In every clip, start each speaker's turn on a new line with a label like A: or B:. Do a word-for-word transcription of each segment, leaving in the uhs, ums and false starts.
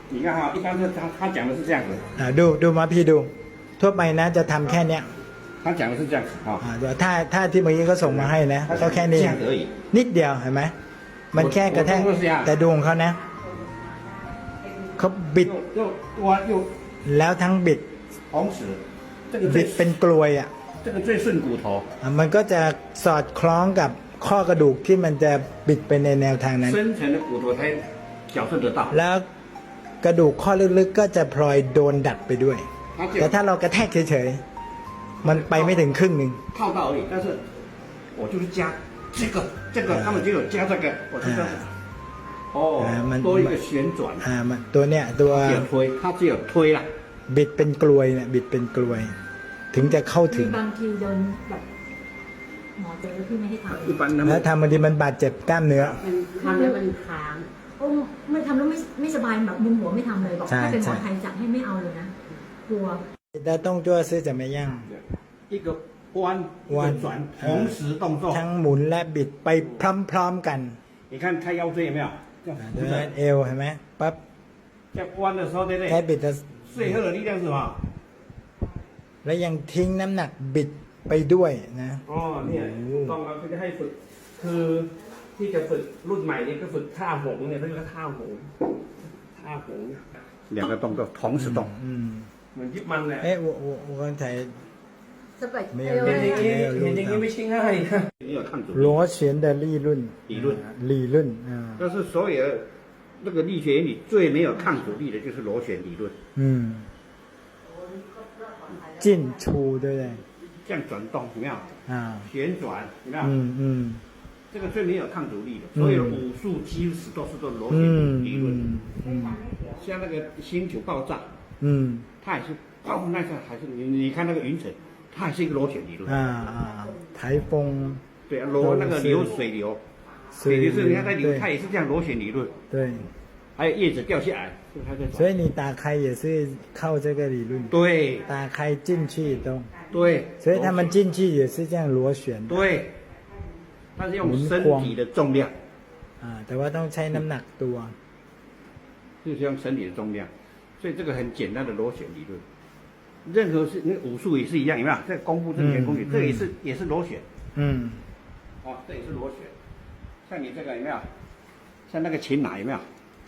A: 你看哈，一般是他他讲的是这样子，
B: อ่าดูดูมาพี่ดู ทั่วไปนะจะทำแค่เนี้ย
A: 他讲的是这样子哈，
B: อ่าเดี๋ยวถ้าถ้าที่เมื่อกี้เขาส่งมาให้นะก็แค่นี้
A: 这样子而已。
B: นิดเดียวเห็นไหมมันแค่กระแทกแต่ดวงเขานะเขาบิด
A: 又又我又
B: แล้วทั้งบิด
A: 同时，这个
B: บิ
A: 最
B: ดเป็นกลวยอ่ะ
A: 这个最顺骨头，
B: อ่ะมันก็จะสอดคล้องกับข้อกระดูกที่มันจะบิดไปในแนวทางนั้น
A: 深层的骨头才矫正得到。
B: แล้วกระดูกข้อลึกๆก็จะพลอยโดนดัดไปด้วย
A: 它只
B: แต่
A: 有
B: ถ้าเรากระแทกเฉยๆมันไปไม่ถึงครึ่งหนึ่ง
A: 套到而已，但是我就是加这个这个，他们就有加这个，我就这样子。哦，多一个旋转，
B: อ่ามันตัวเนี้ยตัว
A: 只有推，它只有推啦。
B: บิดเป็นกลวยเนี่ยบิดเป็นกลวย ถึงจะเข้าถึ
C: มี
B: ง
C: บางทีโดนแบบหมอเจอที่ไม่ให้ทำ
A: 一般他
B: แล้ว
A: 们
B: ทำบางทีมันบาดเจ็บกล้ามเนื้อ
D: ทำแล้วมันค้าง
C: โอ้ไม่ทำแล้วไม่ไม่สบายแบบมึนหัวไม่ทำเลยบอก
B: ใช่
C: ถ้าเป็นหมอ
B: ใช่
C: ไทยจัดให้ไม่เอาเลยนะกลัว
B: แต่ต้องจ้วซื้อจะไม่ยั่ง
A: 一个弯一
B: 弯
A: 个转，同时动作。
B: ทั้งหมุนและบิดไปพร้อมๆกัน
A: 你看他腰椎有没有？这样
B: เดิ
A: 不是
B: นเอวเห็นไหมปั๊บ
A: 在弯的时候，对不
B: แค่
A: 对？
B: บิดจะ
A: 最后的力量是什么？
B: แล้วยังทิ้งน้ำหนักบิดไปด้วยนะ
A: อ๋อเนี่ยถูกต้องครับเขาจะให้ฝึก คือที่จะฝึกรุ่นใหม่เนี่ยก็ฝึกท่าหงเนี่ยเขาเรียกว่าท่าหงท่าหง两个动作同时动
B: อืม
A: เหมือนยิบมันแหละ
B: เอ๊ะ我我我刚才
C: สบาย
B: 没
C: เอ
B: 有
C: ว
A: เห็นอย่างนี้
B: 没有
A: เห็นอย่างนี้ไม่ใช่ง่ายนะ你有看主
B: 螺旋的利润
A: 理论
B: 理论啊
A: 但是所有的那个力学原理最没有抗阻力的就是螺旋理论，
B: 嗯进出对不对
A: 这样转动有没有？
B: 啊
A: 旋转有没有？
B: 嗯嗯
A: 这个最没有抗阻力的，所有的武术基石都是做螺旋
B: 嗯
A: 理论。
B: 嗯嗯
A: 像那个星球爆炸，
B: 嗯
A: 它也是爆那个还是你你看那个云层，它也是一个螺旋理论。
B: 啊啊台风
A: 对啊，螺那个流水流，水流是你看它流，它也是这样螺旋理论。
B: 对
A: 还有叶子掉下来，是不是它在
B: 所以你打开也是靠这个理论
A: 对
B: 打开进去都
A: 对，
B: 所以他们进去也是这样螺旋的
A: 对，它是用身体的重量，
B: อ่าแต่ว่าต้องใช้น้ำหนักตัว
A: 就是用身体的重量，所以这个很简单的螺旋理论。任何是那个武术也是一样，有没有？这个功夫这个功夫，这个也是也是螺旋，
B: อืม
A: 哦，这也是螺旋。像你这个有没有？像那个擒拿有没有？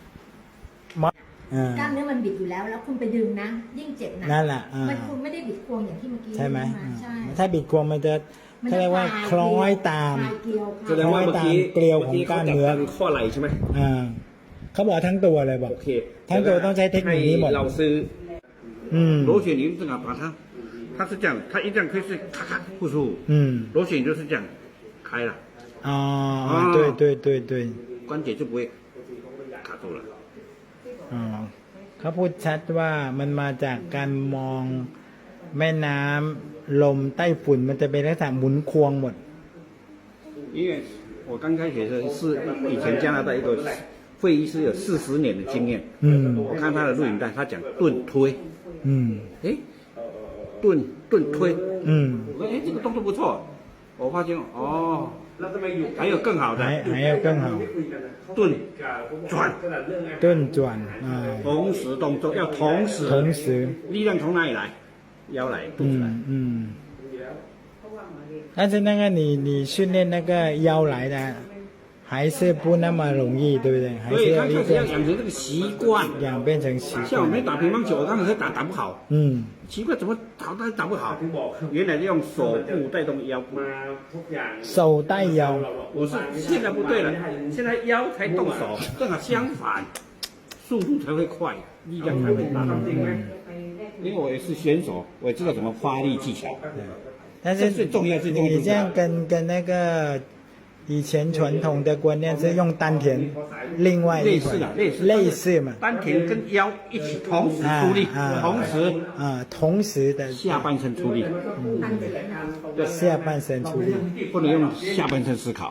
B: อ่าก
C: ล้ามเนื้อมันบิดอยู่แล้ว แล้วคุณไปดึงนะ ยิ่งเจ็บหนัก
B: นั่นแหละอ่า
C: มันคุณไม่ได้บิดควงอย่างที่เมื่อกี้
B: ใช่ไหม
C: ใช่
B: ถ้าบิดควงมันจะเขาเรียกว่าคล้อยตาม
C: คลายเกลียว
A: แสดงว่าเมื่อกี้
B: เกลียวของกล้ามเนื้อ
A: มื่กี้ขจับทงข้อไหล่ใช่ไหม
B: อ่าเขาบอกทั้งตัวเลยบอก
A: โอเค
B: ทั้งตัวต้องใช้เทคนิคนี้หมด
A: ให้เราซื้อ
B: อืม
A: 螺旋理论正好把它，它是这样，它一这样可以是咔咔不舒服，
B: อืม
A: 螺旋就是这样开了，
B: อ๋อ对对对对
A: 关节就不会卡住了。
B: อ๋อเขาพูดชัดว่ามันมาจากการมองแม่น้ำลมใต้ฝุ่นมันจะเป็นลักษณะหมุนควงหมด
A: 因为我刚开始的时候是以前加拿大一个会医师有四十年的经验，
B: อืม
A: 我看他的录影带，他讲盾推，
B: อืม
A: 诶，盾盾推，
B: อืม
A: 我说诶这个动作不错，我发现哦，还有更好的
B: หายหายเอาเครื่องเห่า
A: 盾转，
B: ต้นจวนอ่า
A: 同时动作要同时，
B: 同时
A: 力量从哪里来？腰来，肚子来。
B: 嗯嗯，但是那个你你训练那个腰来的，还是不那么容易，对不对？还
A: 所以
B: 是要一
A: 刚开始要
B: 个
A: 养成这个习惯。
B: 养变成习
A: 像我们
B: 惯。
A: 打乒乓球，我刚开始打打不好，
B: 嗯
A: 奇怪怎么打都打不好。原来是用手部带动腰部。
B: 手带腰，
A: 我是现在不对了，现在腰才动手，正好相反，速度才会快，力量才会大。因为我也是选手，我也知道怎么发力技巧。
B: 但是
A: 最重要最重要
B: 你这样跟跟那个以前传统的观念是用丹田，另外一款
A: 类似的，类似
B: 类似嘛，
A: 丹田跟腰一起同时出力，同时
B: 啊同时的
A: 下半身出力，
B: 下半身出力。
A: 不能用下半身思考。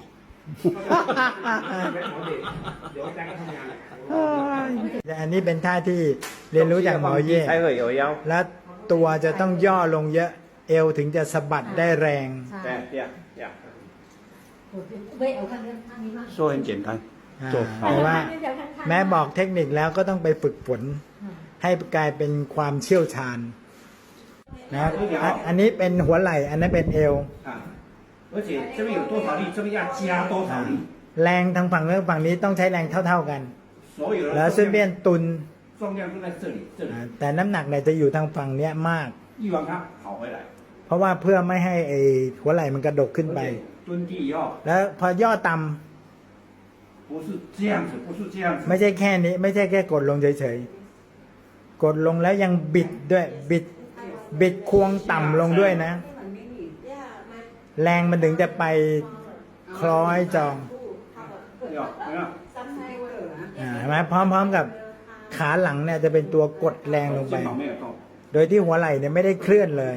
B: อันนี้เป็นท่าที่เรียนรู้จากหมอเย่
A: 才会有腰。
B: และตัวจะต้องย่อลงเยอะ เอวถึงจะสะบัดได้แรง
C: ใช่
A: 对，这样这样。
C: เว้ยเอาข้างนี้ข้างนี้มาก
A: 说很简单，
B: อ่า
A: จบ
B: แต่ว่าแม้บอกเทคนิคแล้วก็ต้องไปฝึกฝน ให้กลายเป็นความเชี่ยวชาญนะครับอ่ะอันนี้เป็นหัวไหล่ อันนั้นเป็นเอว
A: 啊，而且这边有多少力，这边要加多少力，
B: แรงทางฝั่งนู้นฝั่งนี้ต้องใช้แรงเท่า ๆกัน
A: 所有
B: แล้ว
A: 的
B: ซึ่ง
A: 重
B: เบี้ย
A: 量
B: นตุน
A: 重量都在这里，这里
B: อ่าแต่น้ำหนักเนี่ยจะอยู่ทางฝั่งเนี้ยมาก
A: 一往它跑回来，
B: เพราะว่าเพื่อไม่ให้ไอ้หัวไหล่มันกระดกขึ้น
A: 而
B: ไป
A: 且蹲地以后
B: แล้วพอย่อต่ำ
A: 不是这样子，不是这样子，
B: ไม่ใช่แค่นี้ ไม่ใช่แค่กดลงเฉยๆ กดลงแล้วยังบิดด้วย บิด บิดควงต่ำลงด้วยนะ แรงมันถึงจะไปคล้อยจอง
A: 没有没有，
B: อ่าเห็นไหมพร้อมๆกับขาหลังเนี่ยจะเป็นตัวกดแรงลงไป
A: 肩膀没有动，
B: โดยที่หัวไหล่เนี่ยไม่ได้เคลื่อนเลย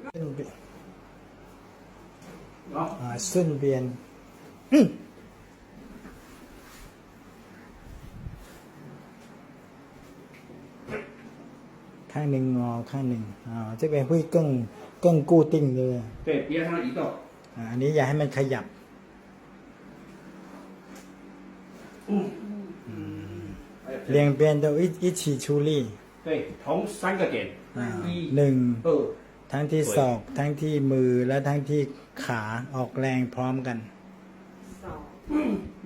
A: 好，
B: อ่าซุ่นเบียนอืมข้างหนึ่งงอข้างหนึ่งอ่าจะเป็นผู้กึ่งกึ่งกู้ติ้งเลย
A: 对，别让它移动，
B: อ่าอันนี้อย่าให้มันขยับ
A: 嗯，还有这
B: เรียงเปลี่ยนตัวอิอิชิชูรี่
A: 对，同三个点，
B: อ่า
A: 一
B: หนึ่ง
A: 二
B: ทั้งที่ศอกทั้งที่มือและทั้งที่ขาออกแรงพร้อมกัน
C: สอง